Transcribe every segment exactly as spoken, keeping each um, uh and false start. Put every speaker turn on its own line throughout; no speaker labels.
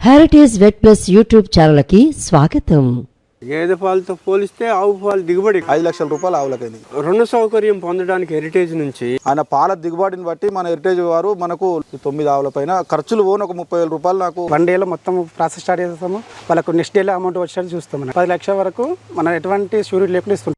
Heritage vet plus YouTube ఛానల్కి స్వాగతం.
గేదె పాలతో పోలిస్తే ఆవు పాలు దిగుబడి
ఐదు లక్షల రూపాయలు ఆవులకైంది.
రుణ సౌకర్యం పొందడానికి హెరిటేజ్ నుంచి
ఆయన పాల దిగుబడిని బట్టి మన హెరిటేజ్ వారు మనకు తొమ్మిది ఆవుల పైన ఖర్చులు పోను ఒక ముప్పై వేల రూపాయలు నాకు
వన్ డేలో మొత్తం ప్రాసెస్ స్టార్ట్ చేస్తాము. వాళ్ళకు నెక్స్ట్ డేలో అమౌంట్ వచ్చేది చూస్తాం. పది లక్షల వరకు మనం ఎటువంటి షూరిటీ లేకుండా ఇస్తున్నాం.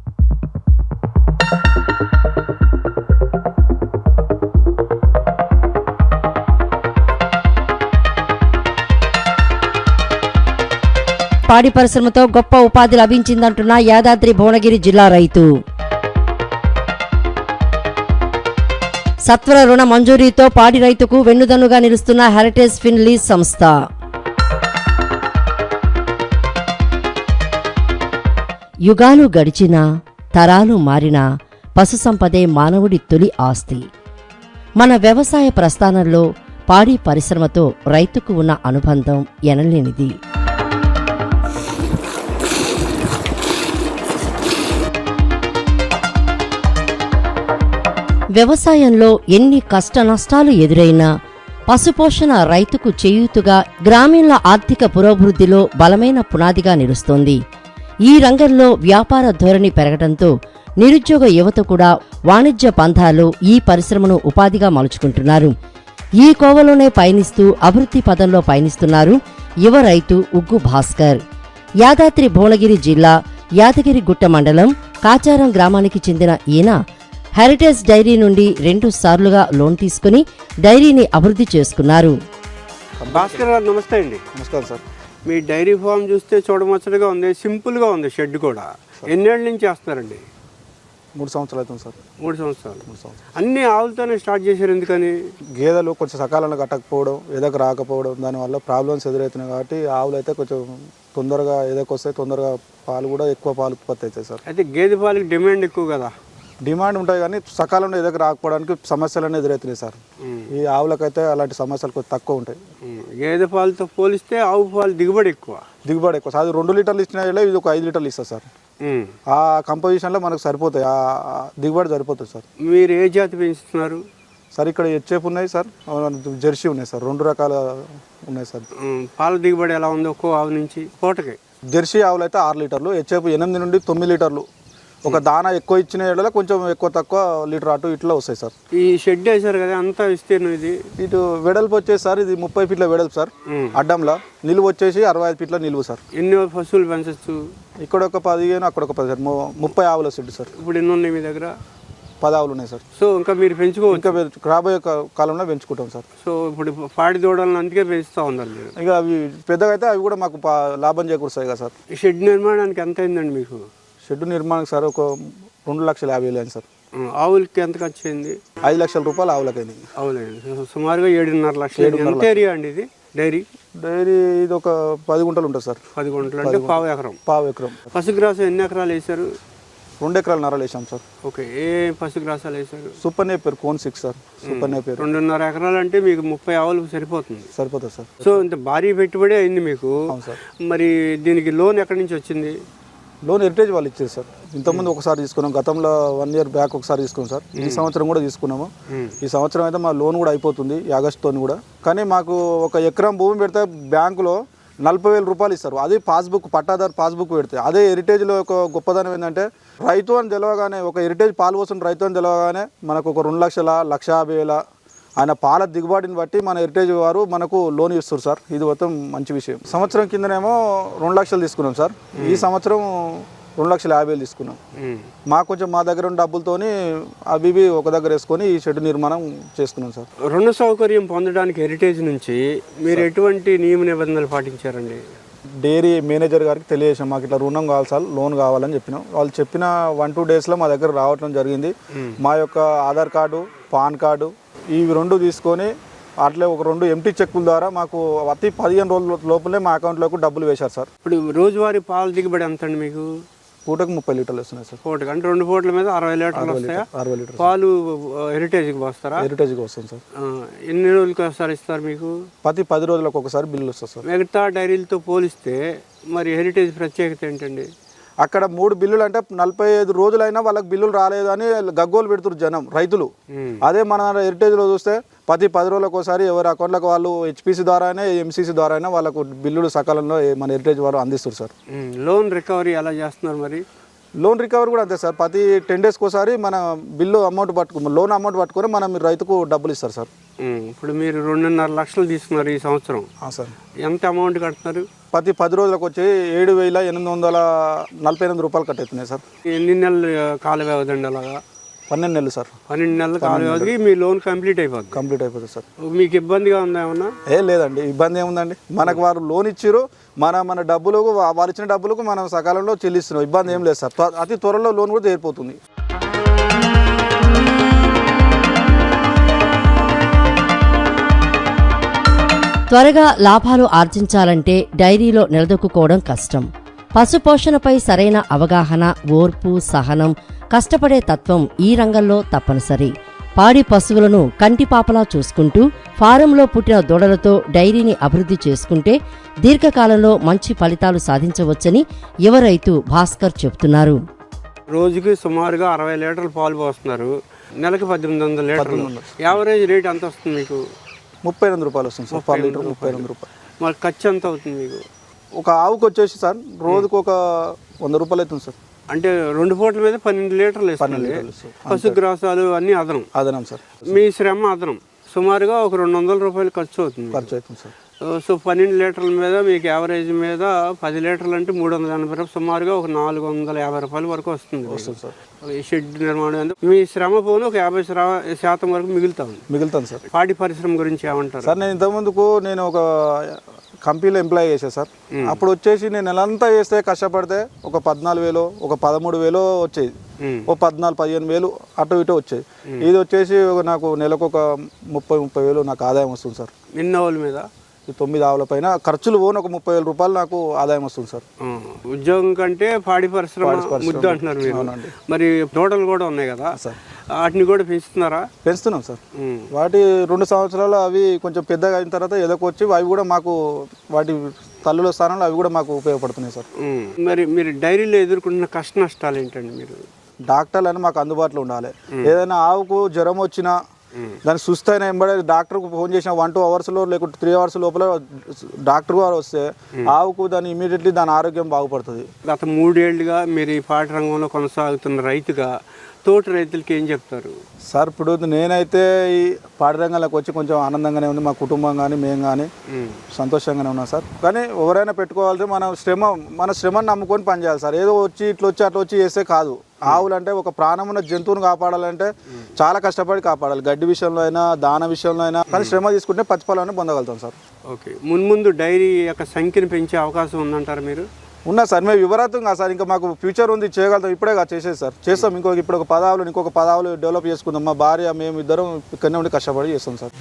పాడి పరిశ్రమతో గొప్ప ఉపాధి లభించిందంటున్న యాదాద్రి భువనగిరి జిల్లా రైతు. సత్వర రుణ మంజూరీతో పాడి రైతుకు వెన్నుదన్నుగా నిలుస్తున్న హెరిటేజ్ ఫిన్ లీజ్ సంస్థ. యుగాలు గడిచినా తరాలు మారినా పశు సంపదే మానవుడి తొలి ఆస్తి. మన వ్యవసాయ ప్రస్థానంలో పాడి పరిశ్రమతో రైతుకు ఉన్న అనుబంధం ఎనలేనిది. వ్యవసాయంలో ఎన్ని కష్ట నష్టాలు ఎదురైనా పశుపోషణ రైతుకు చేయూతుగా గ్రామీణ ఆర్థిక పురోభివృద్ధిలో బలమైన పునాదిగా నిలుస్తోంది. ఈ రంగంలో వ్యాపార ధోరణి పెరగడంతో నిరుద్యోగ యువత కూడా వాణిజ్య పంథాలో ఈ పరిశ్రమను ఉపాధిగా మలుచుకుంటున్నారు. ఈ కోవలోనే పయనిస్తూ అభివృద్ధి పదంలో పయనిస్తున్నారు యువ రైతు ఉగ్గు భాస్కర్. యాదాద్రి భువనగిరి జిల్లా యాదగిరిగుట్ట మండలం కాచారం గ్రామానికి చెందిన ఈయన హెరిటేజ్ డైరీ నుండి రెండు సార్లుగా లోన్ తీసుకుని డైరీని అభివృద్ధి చేసుకున్నారు.
భాస్కర్ గారు నమస్తే అండి.
నమస్కారం సార్.
మీ డైరీ ఫామ్ చూస్తే చూడముచ్చటగా ఉంది, సింపుల్గా ఉంది. షెడ్ కూడా ఎన్నేళ్ళ నుంచి వేస్తున్నారండి?
మూడు సంవత్సరాలు అవుతుంది సార్.
మూడు సంవత్సరాలు
మూడు సంవత్సరాలు
అన్ని ఆవులతోనే స్టార్ట్ చేశారు. ఎందుకని?
గేదెలు కొంచెం సకాలంలో కట్టకపోవడం, ఎదకు రాకపోవడం, దానివల్ల ప్రాబ్లమ్స్ ఎదురవుతున్నాయి. కాబట్టి ఆవులు అయితే కొంచెం తొందరగా ఎదకు వస్తాయి, తొందరగా పాలు కూడా ఎక్కువ పాలు ఉత్పత్తి అవుతాయి సార్.
అయితే గేదె పాలకి డిమాండ్ ఎక్కువ కదా?
డిమాండ్ ఉంటాయి కానీ సకాలంలో ఎదకు రాకపోవడానికి సమస్యలు ఎదురవుతున్నాయి సార్. ఈ ఆవులకైతే అలాంటి సమస్యలు కొంచెం తక్కువ ఉంటాయి.
గేదె పాలతో పోలిస్తే ఆవు పాలు దిగుబడి ఎక్కువ.
దిగుబడి ఎక్కువ. అది రెండు లీటర్లు ఇచ్చినా ఇది ఒక ఐదు లీటర్లు ఇస్తుంది సార్. ఆ కంపోజిషన్లో మనకు సరిపోతాయి, ఆ దిగుబడి సరిపోతుంది సార్.
మీరు ఏ జాతి పెంచుతున్నారు
సార్? ఇక్కడ హెచ్ఎఫ్ ఉన్నాయి సార్, జెర్సీ ఉన్నాయి సార్, రెండు రకాల ఉన్నాయి సార్.
పాల దిగుబడి ఎలా ఉంది ఒక్కో ఆవు నుంచి పూటకి?
జెర్సీ ఆవులు అయితే ఆరు లీటర్లు, హెచ్ఎఫ్ ఎనిమిది నుండి తొమ్మిది లీటర్లు. ఒక దానా ఎక్కువ ఇచ్చిన ఏళ్ళలో కొంచెం ఎక్కువ తక్కువ లీటర్ అటు ఇట్లా వస్తాయి సార్.
ఈ షెడ్ వేసారు కదా, అంతా విస్తీర్ణం ఇది?
ఇటు వెడల్పు వచ్చేసి సార్ ఇది ముప్పై ఫీట్ల వెడల్పు సార్. అడ్డంలో నిలువు వచ్చేసి అరవై ఐదు ఫీట్ల నిలువు సార్.
ఎన్ని పశువులు పెంచచ్చు?
ఇక్కడ ఒక పదిహేను, అక్కడ ఒక పది సార్. ముప్పై ఆవుల షెడ్ సార్.
ఇప్పుడు ఎన్ని ఉన్నాయి మీ దగ్గర?
పది ఆవులు ఉన్నాయి సార్.
సో ఇంకా మీరు పెంచుకోవచ్చు?
ఇంకా రాబోయే కాలంలో పెంచుకుంటాం సార్.
సో ఇప్పుడు పాడి దూడలను అందుకే పెంచుతూ ఉన్నారు మీరు.
ఇక అవి పెద్దగా అయితే అవి కూడా మాకు లాభం చేకూరుస్తాయి కదా సార్.
ఈ షెడ్ నిర్మాణానికి ఎంత అయిందండి మీకు?
షెడ్ నిర్మాణం సార్ ఒక రెండు లక్షల యాభై వేలు అయింది సార్.
ఆవులకి ఎంత ఖర్చు అయింది?
ఐదు లక్షల రూపాయలు ఆవులకైంది.
ఆవులైంది సుమారుగా ఏడున్నర లక్షలు. ఎంత ఏరియా అండి ఇది డైరీ?
డైరీ ఇది ఒక పది గుంటలు ఉంటుంది సార్.
పది గుంటలు అంటే పావు ఎకరం.
పావు ఎకరం.
పశుగ్రాసం ఎన్ని ఎకరాలు వేసారు?
రెండు ఎకరాలు నరాలు వేసాం సార్.
ఓకే. ఏ పశుగ్రాసాలు వేసారు?
సూపర్ నేపేరు కోన్ సిక్స్ సార్. సూపర్ నేపేరు
రెండున్నర ఎకరాలు అంటే మీకు ముప్పై ఆవులు సరిపోతుంది.
సరిపోతుంది సార్.
సో ఇంత భారీ పెట్టుబడి అయింది మీకు.
అవును సార్.
మరి దీనికి లోన్ ఎక్కడి నుంచి వచ్చింది?
లోన్ హెరిటేజ్ వాళ్ళు ఇచ్చారు సార్. ఇంతకుముందు ఒకసారి తీసుకున్నాం, గతంలో వన్ ఇయర్ బ్యాక్ ఒకసారి తీసుకున్నాం సార్. ఈ సంవత్సరం కూడా తీసుకున్నాము. ఈ సంవత్సరం అయితే మా లోన్ కూడా అయిపోతుంది ఈ ఆగస్టుతో కూడా. కానీ మాకు ఒక ఎకరం భూమి పెడితే బ్యాంకులో నలభై వేల రూపాయలు ఇస్తారు. అది పాస్బుక్, పట్టాదారు పాస్బుక్ పెడితే. అదే హెరిటేజ్లో ఒక గొప్పదనం ఏంటంటే రైతు అని తెలవగానే, ఒక హెరిటేజ్ పాలు పోసిన రైతు అని తెలవగానే మనకు ఒక రెండు లక్షల లక్ష యాభై వేల ఆయన పాల దిగుబడిని బట్టి మన హెరిటేజ్ వారు మనకు లోన్ ఇస్తారు సార్. ఇది మొత్తం మంచి విషయం. సంవత్సరం కిందనేమో రెండు లక్షలు తీసుకున్నాం సార్. ఈ సంవత్సరం రెండు లక్షల యాభై వేలు తీసుకున్నాం. మాకు కొంచెం మా దగ్గర ఉన్న డబ్బులతోని అవి ఒక దగ్గర వేసుకొని ఈ షెడ్ నిర్మాణం చేసుకున్నాం సార్.
రుణ సౌకర్యం పొందడానికి హెరిటేజ్ నుంచి మీరు ఎటువంటి నియమ నిబంధనలు పాటించారండి?
డైరీ మేనేజర్ గారికి తెలియజేసాం, మాకు ఇట్లా రుణం కావాలి సార్, లోన్ కావాలని చెప్పినాం. వాళ్ళు చెప్పిన వన్ టూ డేస్లో మా దగ్గర రావటం జరిగింది. మా యొక్క ఆధార్ కార్డు, పాన్ కార్డు ఇవి రెండు తీసుకొని అట్లే ఒక రెండు ఎంటీ చెక్కుల ద్వారా మాకు అతి పదిహేను రోజుల లోపలే మా అకౌంట్లోకి డబ్బులు వేశారు సార్.
ఇప్పుడు రోజువారీ పాల దిగుబడి ఎంత అండి మీకు?
పూటకు ముప్పై లీటర్లు వస్తున్నాయి సార్.
పూటకు అంటే రెండు పూటల మీద అరవై లీటర్లు వస్తాయా?
అరవై లీటర్లు
పాలు హెరిటేజ్కి వస్తారా?
హెరిటేజ్కి వస్తుంది సార్.
ఎన్ని రోజులకి ఒకసారి ఇస్తారు మీకు?
ప్రతి పది రోజులకు ఒకసారి బిల్లు వస్తుంది సార్.
మిగతా డైరీలతో పోలిస్తే మరి హెరిటేజ్ ప్రత్యేకత ఏంటండి?
అక్కడ మూడు బిల్లులు అంటే నలభై ఐదు రోజులైనా వాళ్ళకి బిల్లులు రాలేదు అని గగ్గోలు పెడుతున్నారు జనం రైతులు. అదే మన హెరిటేజ్లో చూస్తే ప్రతి పది రోజులకు ఒకసారి ఎవరి అకౌంట్లకు వాళ్ళు హెచ్పిసి ద్వారానే ఎంసీసీ ద్వారానే వాళ్ళకు బిల్లులు సకాలంలో మన హెరిటేజ్ వారు అందిస్తారు సార్.
లోన్ రికవరీ ఎలా చేస్తున్నారు మరి?
లోన్ రికవరీ కూడా అంతే సార్. ప్రతి టెన్ డేస్కి ఒకసారి మన బిల్లు అమౌంట్ పట్టుకు లోన్ అమౌంట్ పట్టుకొని మనం మీరు రైతుకు డబ్బులు ఇస్తారు సార్.
ఇప్పుడు మీరు రెండున్నర లక్షలు తీసుకున్నారు ఈ సంవత్సరం
సార్.
ఎంత అమౌంట్ కడుతున్నారు?
ప్రతి పది రోజులకు వచ్చి ఏడు వేల ఎనిమిది వందల నలభై ఎనిమిది రూపాయలు కట్టేస్తున్నాయి సార్.
ఎన్ని నెలలు కాల వ్యవధి అండి అలాగా?
పన్నెండు నెలలు సార్.
పన్నెండు నెలల కాల వ్యవధికి మీ లోన్ కంప్లీట్ అయిపోతుంది.
కంప్లీట్ అయిపోతుంది సార్.
మీకు ఇబ్బందిగా ఉందా ఏమన్నా?
ఏ లేదండి, ఇబ్బంది ఏముందండి. మనకు వారు లోన్ ఇచ్చిరు, మన మన డబ్బులకు వారు ఇచ్చిన డబ్బులకు మనం సకాలంలో చెల్లిస్తున్నాం. ఇబ్బంది ఏం లేదు సార్. అతి త్వరలో లోన్ కూడా తీరిపోతుంది.
త్వరగా లాభాలు ఆర్జించాలంటే డైరీలో నిలదొక్కుకోవడం కష్టం. పశుపోషణపై సరైన అవగాహన, ఓర్పు, సహనం, కష్టపడే తత్వం ఈ రంగంలో తప్పనిసరి. పాడి పశువులను కంటిపాపలా చూసుకుంటూ ఫారంలో పుట్టిన దూడలతో డైరీని అభివృద్ధి చేసుకుంటే దీర్ఘకాలంలో మంచి ఫలితాలు సాధించవచ్చని యువ రైతు భాస్కర్ చెబుతున్నారు.
రోజుకి సుమారుగా అరవై లీటర్లు పాలు పోస్తున్నారు. నెలకు పద్దెనిమిది వందల లీటర్లు. యావరేజ్ రేట్ ఎంత వస్తుంది మీకు?
ముప్పై ఎనిమిది రూపాయలు వస్తుంది సార్ పర్ లీటర్. ముప్పై ఎనిమిది రూపాయలు.
మరి ఖర్చు ఎంత అవుతుంది మీకు?
ఒక ఆవుకు వచ్చేసి సార్ రోజుకు ఒక వంద రూపాయలు అవుతుంది సార్.
అంటే రెండు పూటల మీద పన్నెండు లీటర్లు ఇస్తుంది. పశుగ్రాసాలు అన్నీ అదనం
అదనం సార్.
మీ శ్రమ అదనం. సుమారుగా ఒక రెండు వందల రూపాయలు ఖర్చు అవుతుంది.
ఖర్చు అవుతుంది సార్.
సో పన్నెండు లీటర్ల మీద మీకు యావరేజ్ మీద పది లీటర్లు అంటే మూడు వందల ఎనభై రూపాయలు, సుమారుగా ఒక నాలుగు వందల యాభై రూపాయల వరకు వస్తుంది
వస్తుంది సార్.
షెడ్ నిర్మాణం మీ శ్రమ పోను ఒక యాభై శాతం వరకు మిగులుతుంది
మిగులుతాను సార్.
పాడి పరిశ్రమ గురించి ఏమంటారు
సార్? నేను ఇంతకుముందుకు నేను ఒక కంపెనీలో ఎంప్లాయ్ చేశాను సార్. అప్పుడు వచ్చేసి నేను నెలంతా చేస్తే కష్టపడితే ఒక పద్నాలుగు వేలు ఒక పదమూడు వేలు వచ్చేది. ఓ పద్నాలుగు పదిహేను వేలు అటు ఇటు వచ్చేది. ఇది వచ్చేసి నాకు నెలకు ఒక ముప్పై ముప్పై వేలు నాకు ఆదాయం వస్తుంది సార్.
ఎన్ని ఆవుల మీద?
ఈ తొమ్మిది ఆవుల పైన ఖర్చులు పోను ఒక ముప్పై వేల రూపాయలు నాకు ఆదాయం వస్తుంది సార్.
ఉద్యోగం కంటే పాడి పరిశ్రమ ముద్దు అంటున్నారు మీరు. మరి తోటలు కూడా ఉన్నాయి కదా సార్, వాటిని కూడా పెంచుతున్నారా?
పెంచుతున్నాం సార్. వాటి రెండు సంవత్సరాలు అవి కొంచెం పెద్దగా అయిన తర్వాత ఎదకొచ్చి అవి కూడా మాకు వాటి తల్లుల స్థానంలో అవి కూడా మాకు ఉపయోగపడుతున్నాయి సార్.
మరి మీరు డైరీలో ఎదుర్కొంటున్న కష్ట నష్టాలు ఏంటండి? మీరు
డాక్టర్లు అని మాకు అందుబాటులో ఉండాలి. ఏదైనా ఆవుకు జ్వరం వచ్చినా దాన్ని సుస్థ అయినా ఎంబడే డాక్టర్కు ఫోన్ చేసిన వన్ టూ అవర్స్లో లేకుంటే త్రీ అవర్స్ లోపల డాక్టర్ గారు వస్తే ఆవుకు దాన్ని ఇమీడియట్లీ దాని ఆరోగ్యం బాగుపడుతుంది.
గత మూడేళ్లుగా మీరు ఈ పాడి రంగంలో కొనసాగుతున్న రైతుగా తోటి రైతులకి ఏం చెప్తారు
సార్? ఇప్పుడు నేనైతే ఈ పాడి రంగంలోకి వచ్చి కొంచెం ఆనందంగానే ఉంది. మా కుటుంబం కానీ మేము కానీ సంతోషంగానే ఉన్నాం సార్. కానీ ఎవరైనా పెట్టుకోవాలంటే మన శ్రమ మన శ్రమను నమ్ముకొని పనిచేయాలి సార్. ఏదో వచ్చి ఇట్లా వచ్చి అట్లా వచ్చి చేస్తే కాదు. ఆవులు అంటే ఒక ప్రాణం ఉన్న జంతువును కాపాడాలంటే చాలా కష్టపడి కాపాడాలి. గడ్డి విషయంలో అయినా దాన విషయంలో అయినా కానీ శ్రమ తీసుకుంటే ప్రతిఫలాన్ని పొందగలుగుతాం సార్.
ఓకే, మున్ముందు డైరీ యొక్క సంఖ్యను పెంచే అవకాశం ఉందంటారు మీరు?
ఉన్నా సార్. మేము వివరాతం కాదు సార్. ఇంకా మాకు ఫ్యూచర్ ఉంది, చేయగలుగుతాం. ఇప్పుడే కాదు చేసేది సార్. చేస్తాం. ఇంకొక ఇప్పుడు ఒక పదావులు ఇంకొక పదావులు డెవలప్ చేసుకుందాం. మా భార్య మేము ఇద్దరం ఇక్కడనే ఉండి కష్టపడి చేస్తాం సార్.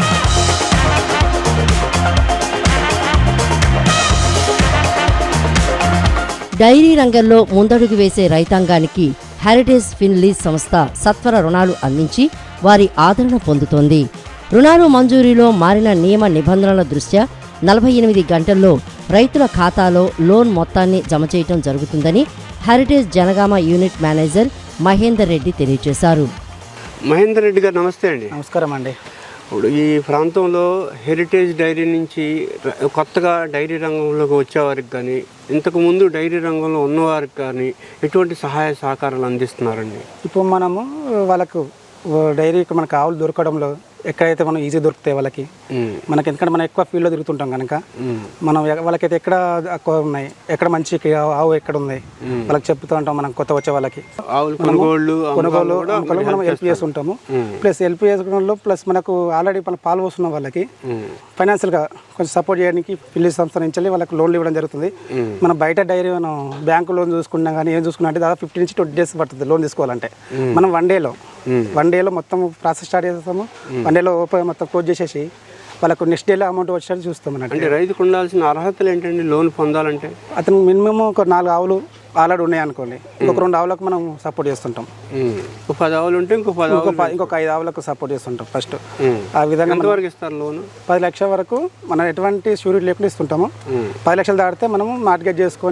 డైరీ రంగంలో ముందడుగు వేసే రైతాంగానికి హెరిటేజ్ ఫిన్లీజ్ సంస్థ సత్వర రుణాలు అందించి వారి ఆదరణ పొందుతోంది. రుణాలు మంజూరీలో మారిన నియమ నిబంధనల దృష్ట్యా నలభై ఎనిమిది గంటల్లో రైతుల ఖాతాలో లోన్ మొత్తాన్ని జమ చేయటం జరుగుతుందని Heritage Jangaon unit manager Mahender Reddy తెలియజేశారు.
మహేందర్ రెడ్డి గారు నమస్తే అండి.
నమస్కారం అండి.
ఇప్పుడు ఈ ప్రాంతంలో హెరిటేజ్ డైరీ నుంచి కొత్తగా డైరీ రంగంలోకి వచ్చేవారికి కానీ ఇంతకుముందు డైరీ రంగంలో ఉన్నవారికి కానీ ఎటువంటి సహాయ సహకారాలు అందిస్తున్నారండి?
ఇప్పుడు మనము వాళ్ళకు డైరీకి మనకు ఆవులు దొరకడంలో ఎక్కడైతే మనం ఈజీ దొరుకుతాయి వాళ్ళకి, మనకి ఎందుకంటే మనం ఎక్కువ ఫీల్డ్లో తిరుగుతుంటాం కనుక మనం వాళ్ళకైతే ఎక్కడ ఎక్కువ ఉన్నాయి, ఎక్కడ మంచి ఆవు ఎక్కడ ఉంది వాళ్ళకి చెప్తూ ఉంటాం. మనం కొత్త వచ్చే వాళ్ళకి కొనుగోలు కొనుగోలు మనం హెల్ప్ చేస్తుంటాము. ప్లస్ హెల్ప్ చేసుకోవడంలో ప్లస్ మనకు ఆల్రెడీ మనం పాలు పోస్తున్న వాళ్ళకి ఫైనాన్షియల్గా కొంచెం సపోర్ట్ చేయడానికి ఫిల్లీ సంస్థ నుంచి వాళ్ళకి లోన్లు ఇవ్వడం జరుగుతుంది. మనం బయట డైరీ మనం బ్యాంకు లోన్ చూసుకున్నా కానీ ఏం చూసుకున్నా అంటే దాదాపు ఫిఫ్టీ నుంచి ట్వంటీ డేస్ పడుతుంది లోన్ తీసుకోవాలంటే. మనం వన్ డేలో వన్ డేలో మొత్తం ప్రాసెస్ స్టార్ట్ చేస్తాము. వన్ డేలో ఓపెన్ మొత్తం క్లోజ్ చేసేసి వాళ్ళకు నెక్స్ట్ డేలో అమౌంట్ వచ్చేది చూస్తాం అన్నట్టు.
అంటే రైతుకు ఉండాల్సిన అర్హతలు ఏంటండి లోన్ పొందాలంటే?
అతను మినిమం ఒక నాలుగు ఆవులు ఆల్రెడీ ఉన్నాయి అనుకోండి, ఇంకొక రెండు ఆవులకు మనం సపోర్ట్ చేస్తుంటాం.
ఒక పది ఆవులు ఉంటే ఇంకో పది
ఇంకొక ఐదు ఆవులకు సపోర్ట్ చేస్తుంటాం ఫస్ట్. ఆ విధంగా
ఎంతవరకు ఇస్తారు లోన్?
పది లక్షల వరకు మనం ఎటువంటి షూరిటీ లేకుండా ఇస్తుంటాము. పది లక్షలు దాటితే మనము మార్గేజ్ చేసుకొని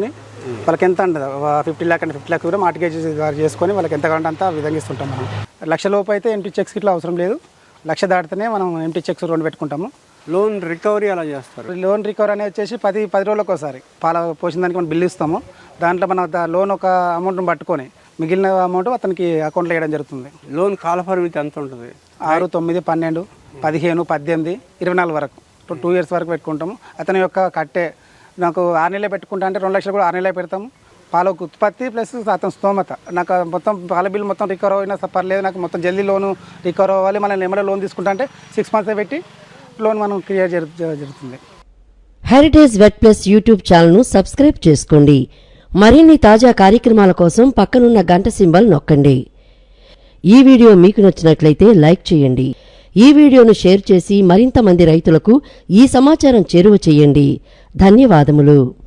వాళ్ళకి ఎంత అంటే ఫిఫ్టీ ల్యాక్ అంటే ఫిఫ్టీ ల్యాక్ కూడా మార్టిగేజ్ చేసుకొని వాళ్ళకి ఎంత కావాలంటే అంత ఆ విధంగా ఇస్తుంటాం మనం. లక్ష లోపు అయితే ఎంటీ చెక్స్ ఇట్లా అవసరం లేదు, లక్ష దాటితేనే మనం ఎంటీ చెక్స్ రెండు పెట్టుకుంటాము.
లోన్ రికవరీ ఎలా చేస్తారు?
లోన్ రికవరీ అనేది వచ్చేసి పది పది రోజులకు ఒకసారి పాల పోసిన దానికి మనం బిల్లు ఇస్తాము. దాంట్లో మనం లోన్ ఒక అమౌంట్ని పట్టుకొని మిగిలిన అమౌంట్ అతనికి అకౌంట్లో వేయడం జరుగుతుంది.
లోన్ కాలపరిమితి ఎంత ఉంటుంది?
ఆరు తొమ్మిది పన్నెండు పదిహేను పద్దెనిమిది ఇరవై నాలుగు వరకు టూ ఇయర్స్ వరకు పెట్టుకుంటాము. అతని యొక్క కట్టే నాకు ఆరు నెలలే పెట్టుకుంటా అంటే రెండు లక్షలు కూడా ఆరు నెలలే పెడతాము. పాల ఉత్పత్తి ప్లస్ అతని స్తోమత, నాకు మొత్తం పాల బిల్ మొత్తం రికవర్ అయినా పర్లేదు, నాకు మొత్తం జల్దీ లోను రికవర్ అవ్వాలి, మనం ఏమైనా లోన్ తీసుకుంటా అంటే సిక్స్ మంత్స్ పెట్టి లోన్ మనం క్లియర్ జరుగుతుంది.
హెరిటేజ్ వెట్ ప్లస్ యూట్యూబ్ ఛానల్ను సబ్స్క్రైబ్ చేసుకోండి. మరిన్ని తాజా కార్యక్రమాల కోసం పక్కనున్న గంట సింబల్ నొక్కండి. ఈ వీడియో మీకు నచ్చినట్లయితే లైక్ చేయండి. ఈ వీడియోను షేర్ చేసి మరింత మంది రైతులకు ఈ సమాచారం చేరువ చేయండి. ధన్యవాదములు.